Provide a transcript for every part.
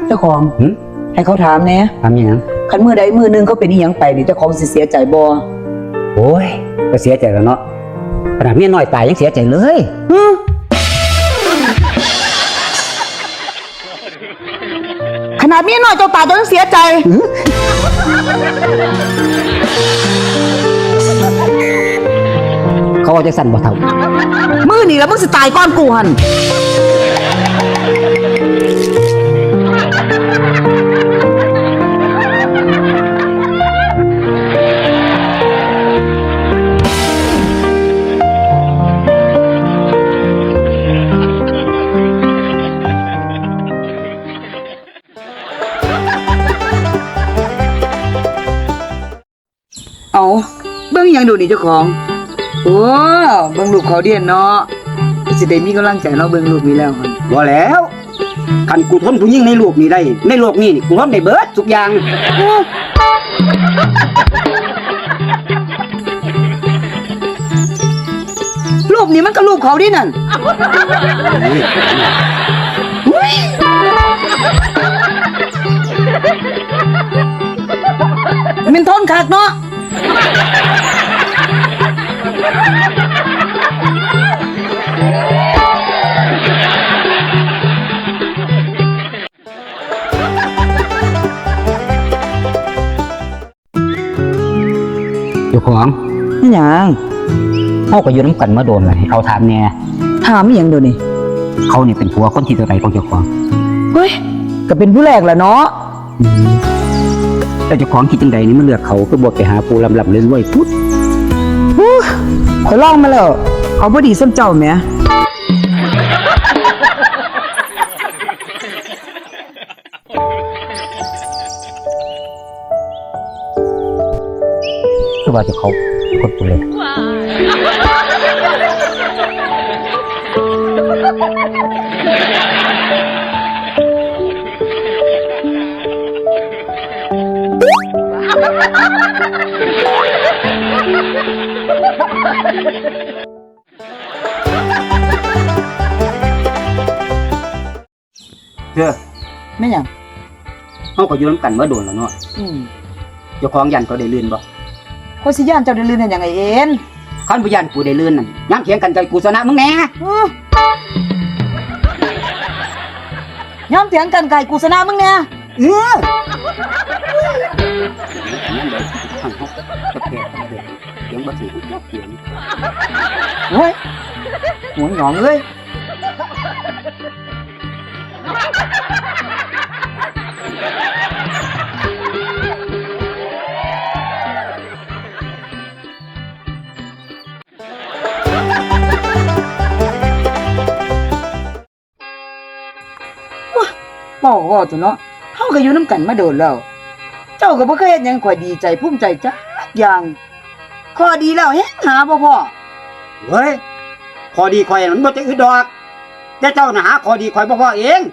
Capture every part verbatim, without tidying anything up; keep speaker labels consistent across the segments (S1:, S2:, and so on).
S1: เจ้าของให้เขาถามแน่
S2: ทำยัง
S1: คันมือใดมือหนึงเขาเป็นอีหยังไปนี่เจ้าของสิเสียใจบ่
S2: โอ้ยก็เสียใจแล้วเนาะขนาดเมียน้อยตายยังเสียใจเลย
S1: ขนาดเมียน้อยเจ้าตายเจ้ายังเสียใจ
S2: เขาเอาใจสั่นบ่เท่า
S1: มือนี่แล้วมึงสิตายก่อนกูหั่นเอาเบิ่งยังดูนี่เจ้าของโอ้เบิ่งลูกเขาเดียนเนาะสิได้มีกำลังใจเนาะเบิ่งลูกนี่แล้วมัน
S2: บ่แล้วคันกูทนผู้หญิงในโลกนี้ได้ในโลกนี้นี่กูทนได้เบิดทุกอย่าง
S1: รูปนี้มันก็รูปเขาดินั่นมันทนคักเนาะ
S2: เจ้าของ
S1: นี่หยัง
S2: เฮาก็อยู่นำกันมาโดนแล้วให้เขาถามแน่
S1: ถามอีหยังเดี๋ยวนี้
S2: เขานี่เป็นผัวคนที่เท่าไหร่ของเจ้าของ
S1: เฮ้ยก็เป็นผู้แรกแหละเนาะ
S2: แต่เจ้าของคิดจังใดนี่มันเลือกเขาก็บ่ไปหาผู้ลำลำรวยๆพุด
S1: ข่อยลองมาแล้วเขาบ่ดีซ้ำเจ้าแหม
S2: คือว่าเจ้าเขาคนผู้เลยเจ้า
S1: แม่หยัง
S2: เฮาก็อยู่นำกันมาโดนแล้วเนาะ
S1: อืม
S2: เจ้าของยันเขาได้ลื่นบ่
S1: ข่อยสิย่านเจ้าได้ลื่นได้หยังไงเอ็น
S2: คันบ่ยันกูได้ลื่นนั่นยามเถียงกันใจกูชนะมึงแน่
S1: ยอมเถียงกันไก่กูชนะมึงแน่
S2: เออเถียงบ่ถูกเถียง
S1: โอ้ยหัวหงองเลยบอกว่าตัวเนาะเฮาก็อยู่นำกันมาโดนแล้วเจ้าก็บ่เคยเฮ็ดหยังข่อยดีใจภูมิใจจักอย่างข้อดีแล้วเฮ็ดหาบ่พอ
S2: เฮ้ยข้อดีข่อยมันบ่จะอึดดอกแต่เจ้าน่ะหาข้อดีข่อยบ่พอเอง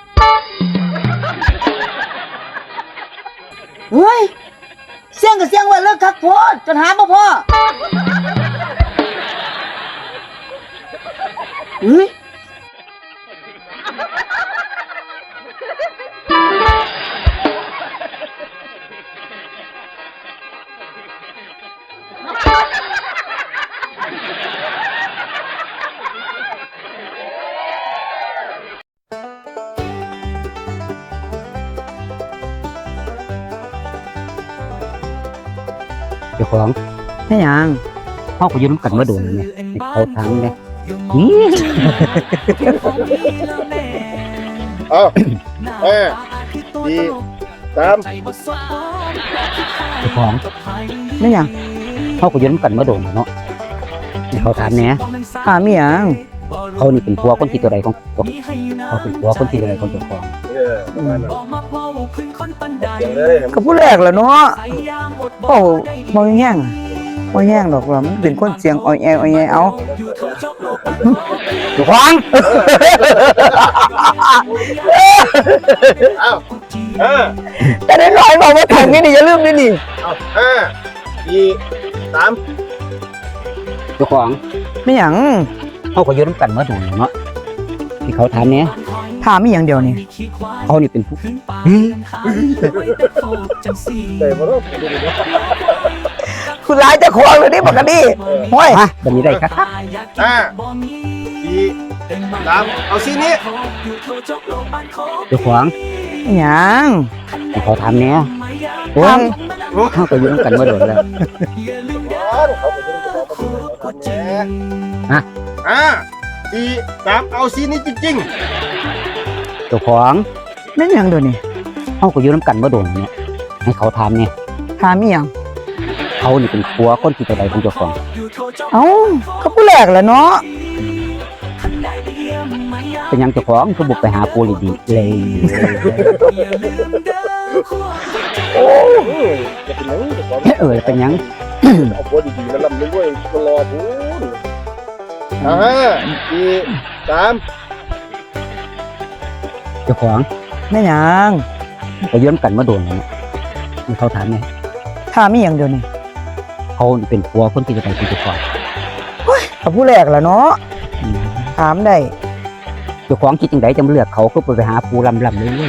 S1: เฮ้ยเสียงก็เสียงว่าเลิกคักโพดจนหาบ่พอเฮ้ย
S2: เจ้าของ
S1: แม่หยัง
S2: เฮาก็อยู่นำกันมาโดนแล้วเนี่ยให้เขาถามแน่
S3: เอ้าเอ้ดีสาม
S2: เจ้าของ
S1: แม่หยัง
S2: เฮาก็อยู่นำกันมาโดนแล้วเนาะให้เขาถามแน่
S1: ถามอีหยัง
S2: เขานี่เป็นผัวคนที่เท่าไหร่ของตัวเขาเป็นผัวคนที่เท่าไหร่ของเจ้าของ
S3: เออ
S1: ก็ผู้แรกแหละเนาะโอ้บ่แห้งบ่แห้งดอกว่ามันเป็นคนเสียงอ้อยแออ้อยแอเอา
S2: เจ้าของ
S3: เอ้าเออ
S1: แต่ได้น้อยบอกว่าถังนี่นี่อย่าลืมนี่นี่
S3: เอ้าห้าสี่สาม
S2: เจ้าของ
S1: ไม่หยัง
S2: เฮาก็อยู่นำกันมาโดนแล้วเนาะที่เขาถามแน่
S1: ถามอีหยังเดียวนี่
S2: เขานี่เป็นผู้
S3: แต่บ่ต้องดูดิ
S1: คุณร้ายจะควงเลยนี่ปกติห้อย
S2: มาแบบนี้ได้ครับ
S3: ห้าสี่สามเอาซีนี้
S2: เจ้าของ
S1: อิหยัง
S2: ให้เขาถามแหน่โอ้ยเฮาก็อยู่นำกันมาโดนแล้ว
S3: เขาไปดูเขาทำแหน่
S2: ฮะ
S3: ห้าสี่สามเอาซีนี้จริง
S2: เจ้าของ
S1: แม่นหยังเดี๋ยวนี้
S2: เฮาก็อยู่นำกันมาโดนเนี่ยให้เขาถามแหน่
S1: ถามอีหยัง
S2: เขานี่เป็นผัวคนที่เท่าใดของเจ้าของ
S1: เอ้าเขาผู้แรกแหละเนาะ
S2: เป็นหยังเจ้าของคือบ่ไปหาผัวดีๆเลย
S3: ๆโอ้ยจะเป็นหยังจะขอ
S2: เออเป็นหยัง
S3: เอาผัวดีๆแล้วลำด้วยก็รอพูนห้าสี่สาม
S2: เจ้าของ
S1: แม่นหยัง
S2: ก็อยู่นำกันมาโดนแล้วเนี่ยให้เขาถามแหน่
S1: ถามอีหยังเดี๋ยวนี้
S2: เขานี่เป็นผัวคนที่เท่าใดของเจ้าของ
S1: เขาผู้แรกแหละเนาะ
S2: อืม
S1: ถามได้
S2: เจ้าของคิดจังไดจะมาเลือกเขาคือไปหาผู้ลำๆเลย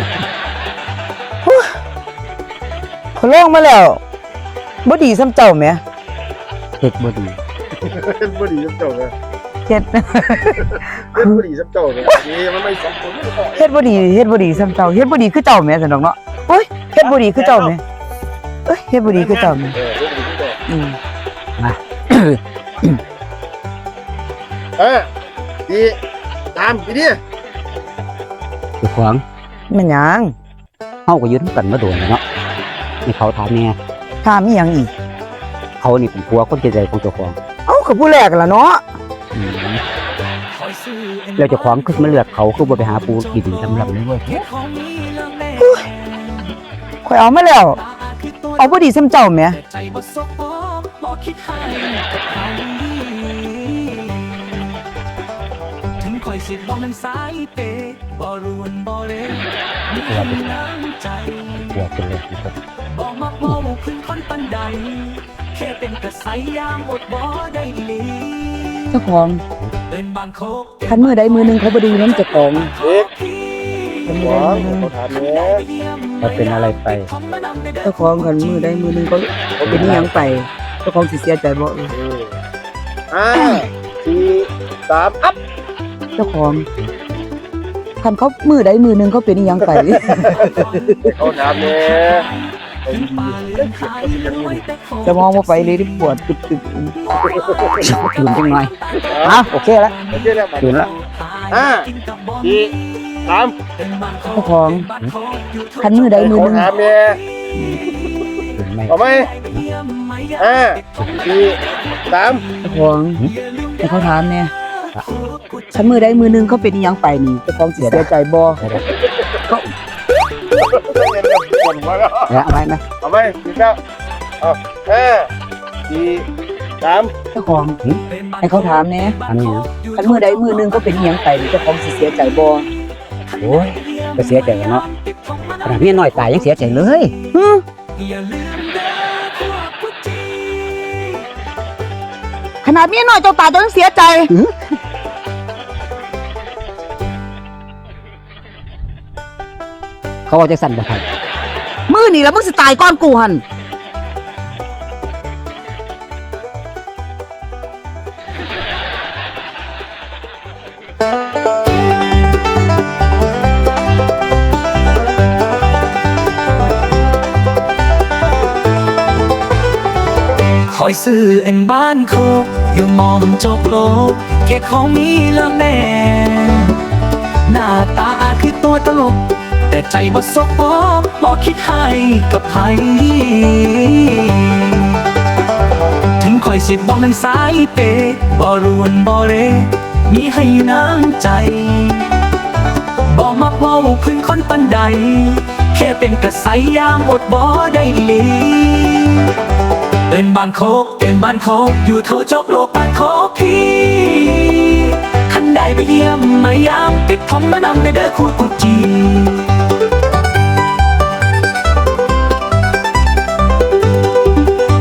S1: เขาลองมาแล้วบ่ดีซ้ำเจ้าแหม
S2: เฮ็ดบ่ดี
S3: เป็นบุรีสับเจ้าเลย
S1: เฮ็ด
S3: เป็นบุรีสับเจ้าเลยนี่มันไม่สมควรไม่ต้อง
S1: เฮ็ดบ่ดีเฮ็ดบ่ดีซ้ำเจ้าเฮ็ดบ่ดีคือเจ้าแหมซั่นดอกเนาะโอ้ยเฮ็ดบ่ดีคือเจ้าแหมเอ้ยเฮ็ดบ่ดีคือเจ้าแหม
S3: เออเป็นบุรีสับเจ้า
S1: อืม
S3: ห้าสี่สามทีนี้
S2: เจ้าของ
S1: แม่นหยัง
S2: เฮาก็อยู่นำกันมาโดนแล้วเนาะให้เขาถามแหน่
S1: ถามอีหยังอีก
S2: เขานี่เป็นผัวคนที่เท่าใดของเจ้าของ
S1: เอ้าเขาผู้แรกแหละเนาะ
S2: อืมแล้วเจ้าของคือมาเลือกเขาคือบ่ไปหาผู้ดีๆลำๆเลยเว้ย
S1: ข่อยเอามาแล้ว เอาบ่ดีซ้ำเจ้าแหม
S4: ถึงคอยสิบอกนั้นสายเปบ่รวนบ่เร่มีน้ำใจ
S2: ผัวเป็นเลยที่สุด
S4: บ่มักบ่พึ่งคนปันใดแค่เป็นกระใสยามอดบ่ได้ลี
S1: เจ้าของ
S4: เป็นบางโคก
S1: คันมือใดมือหนึงเขาบ่ดีนำเจ้าของ
S3: เด็ก
S1: คัน
S3: ห
S1: มือ
S3: วั
S1: ใด
S3: ง
S1: มือหนึง
S3: เขาถามเนี้ย
S2: เขาเป็นอะไรไป
S1: เจ้าของคันมือใดมือหนึงเขาเป็นอีหยังไปเจ้าของสิเสียใจบ่เออ
S3: ห้าสี่สามอัพ
S1: เจ้าของคันเขามือใดมือหนึงเขาเป็นอีหยังไป
S3: เขาถามเนี้ย
S1: จะมองบ่ไปเลยที่ปวดตึก
S2: ตื่นจังหน่อยเอาโอเคแล้ว
S3: โอเคแล้ว
S2: ตื่นแล้ว
S3: ห้าสี่สาม
S1: ๆเจ้าของคันมือใดมือห
S3: เขา
S1: นึง
S3: ถามเนี้ย
S2: ตื่นไหม
S3: เอาไหมห้าสี่สาม
S1: เจ้าของให้เขาถามแน่คันมือใดมือหนึงเขาเป็นอีหยังไปนี่เจ้าของสิเสียใจบ่
S3: ปวดมาแล้ว
S2: แล้วเอาไหมไหม
S3: เอาไหมสิบเก้าเอาห้าสี่สาม
S1: เจ้าของให้เขาถามแน่
S2: อันนี้นะ
S1: คันมือใดมือหนึงเขาเป็นอีหยังไปนี่เจ้าของสิเสียใจบ่
S2: โอ้ยก็เสียใจเนาะขนาดเมียน้อยตายยังเสียใจเลย
S1: ฮึ
S4: อย่าลืมเด้อพวกผู้จี
S1: ขนาดเมียน้อยเจ้าตายเจ้ายังเสียใจ
S2: เขาเอาใจสั่นบ่ครับ
S1: มือนี่แล้วมึงสิตายก่อนกูหั่น
S4: คอยซื้อเอ็นบ้านโคกอยู่มองจบโลกแค่ของมีเรื่องแน่หน้าตาคือตัวตลก แต่ใจบ่สกปรกบ่คิดให้กับใครถึงคอยสิบอกนั้นสายเปบ่รวนบ่เรมีให้น้ำใจบ่มักเว้าพึ่งคนปันใดแค่เป็นกระใสยามอดบ่ได้ลีเป็นบ้านโคกเป็นบ้านโคกอยู่ทั่วจบโลกบ้านโคกพี่คันใดไปเยี่ยมมายามติดทองมานำในเด้อคู่กุจี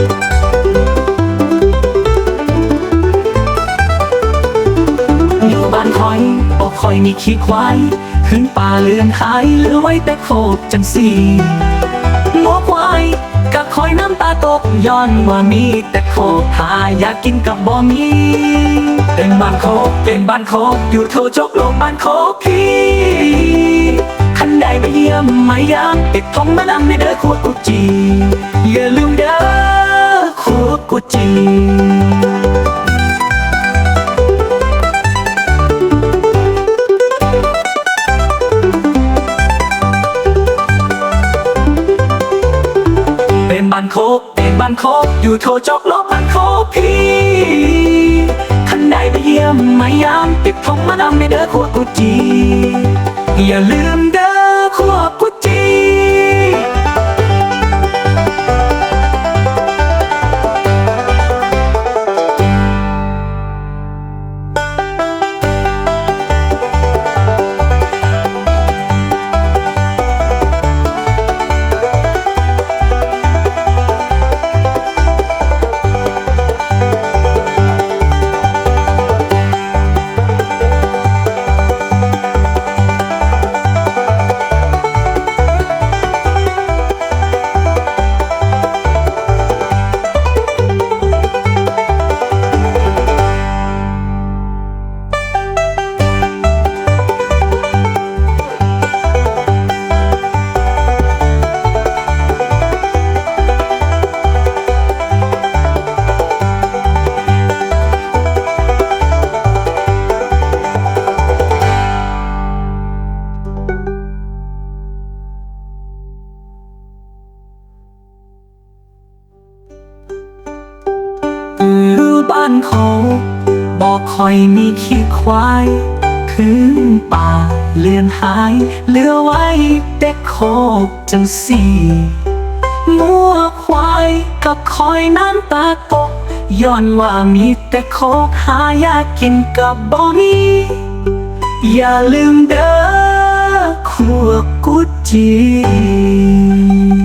S4: อยู่บ้านคอยบ่คอยมีขี้ควายขึ้นป่าเลือนหายเหลือไว้แต่โคกจังสีงัวควายกับคอยน้ำตาตกย้อนว่ามีแต่โคกหาอยากกินกับบ่มีเป็นบ้านโคกเป็นบ้านโคกอยู่โทจกโลกบ้านโคกพี่คันใดไปเยี่ยมมายามติดทงมานั่งในเด้อขวดกุจีอย่าลืมเด้อขวดกุจีเป็นบ้านโคกเป็นบ้านโคกอยู่โทจกโลกบ้านโคกพี่คันใดไปเยี่ยมมายามติดทงมานั่งในเด้อขวดกุจีอย่าลืมเด้อขวดกุจีคือบ้านเขาบอกคอยมีขี้ควายขึ้นป่าเลือนหายเหลือไว้แต่โคกจังสีงัวควายกับคอยน้ำตาตกย้อนว่ามีแต่โคกหาอยากกินกับบ่มีอย่าลืมเด้อขวดกุจี